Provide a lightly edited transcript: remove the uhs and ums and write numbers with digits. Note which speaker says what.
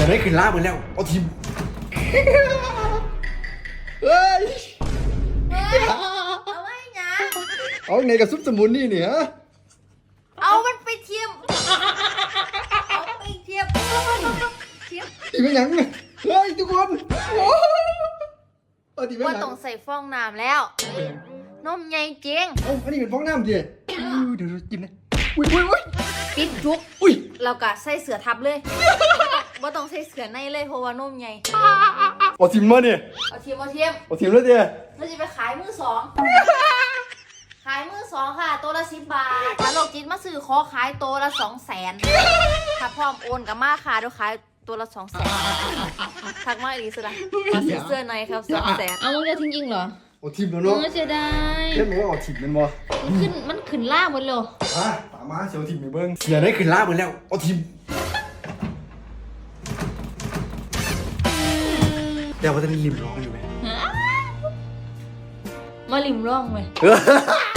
Speaker 1: อได้ขึ้นล่าเหมือนแล้วเอาทีมเฮ้ย
Speaker 2: เอาไว้นะ
Speaker 1: เอาไงกับซุปสมุนนี่เนี่ย
Speaker 2: เอามันไปเทียมเอาไปเทียมเทียม
Speaker 1: ทีไม่ยังเฮ้ยทุกคนเอาทีไม่
Speaker 2: ว่า
Speaker 1: ยัง
Speaker 2: ต้องใส่ฟองน้ำแล้วนมใหญ่จริง
Speaker 1: เอ้าอันนี้เป็นฟองน้ำดิเดี๋ยวจิ้มนะอุ้ย
Speaker 2: ปิดจุก
Speaker 1: อุ้ย
Speaker 2: เราก็ใส่เสือทับเลยว่าต้องใส่เสือในเลยเพราะว่านมใหญ่
Speaker 1: เอาทีมมาเนี่ย
Speaker 2: เอาเทียมเอาเทียม
Speaker 1: เอาทีมแล้วเดีย
Speaker 2: เราจะไปขายมือสองขายมือสองค่ะตัวละ10 บาทถ้าโลกจิตมาซื้อขอขายตัวละ200,000ถ้าพร้อมโอนกับมาค่ะเดี๋ยวขายตัวละ200,000ทักมาอีกสิละมาซื้อเสื้อในครับ200,000เอามึงจะทิ้งจริงเหรอ
Speaker 1: เอาทีมแล้วเนาะ
Speaker 2: เสียดาย
Speaker 1: เล่นมันก็เอาทีมมันบ่
Speaker 2: มันขึ้นล่าหมดเลย
Speaker 1: อ่ะตามมาเสียวทีมไปเบิ้งเสียได้ขึ้นล่าเหมือนแล้วเอาทีมเดี๋ยวว่าจะริมร้องอยู่ไหม
Speaker 2: มาลิมร่องไหม
Speaker 1: เออ